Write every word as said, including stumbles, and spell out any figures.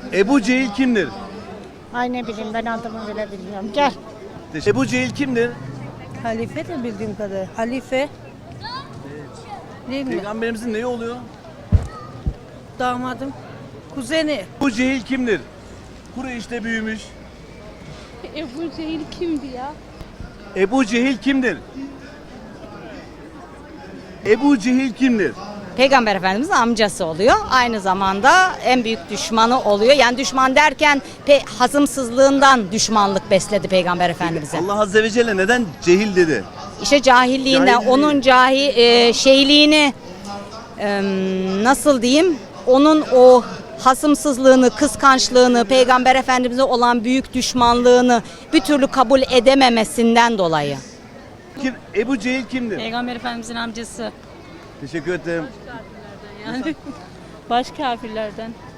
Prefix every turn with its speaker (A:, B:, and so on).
A: Ebu Cehil kimdir?
B: Ay ne bileyim ben adımı bile bilmiyorum. Gel.
A: Ebu Cehil kimdir?
C: Halife de bildiğim kadar. Halife. Değil mi?
A: Peygamberimizin neyi oluyor?
C: Damadım. Kuzeni.
A: Ebu Cehil kimdir? Kureyş'te büyümüş.
D: Ebu Cehil kimdi ya?
A: Ebu Cehil kimdir? Ebu Cehil kimdir?
E: Peygamber Efendimiz'in amcası oluyor. Aynı zamanda en büyük düşmanı oluyor. Yani düşman derken pe hazımsızlığından düşmanlık besledi Peygamber Efendimiz'e.
A: Allah Azze ve Celle neden cehil dedi?
E: İşte cahilliğinden,
A: Cahilliği.
E: onun cahi e, şeyliğini e, nasıl diyeyim? Onun o hasımsızlığını, kıskançlığını, Peygamber Efendimiz'e olan büyük düşmanlığını bir türlü kabul edememesinden dolayı.
A: Kim? Ebu Cehil kimdir?
D: Peygamber Efendimizin amcası.
A: Teşekkür ederim.
D: Yani baş kafirlerden.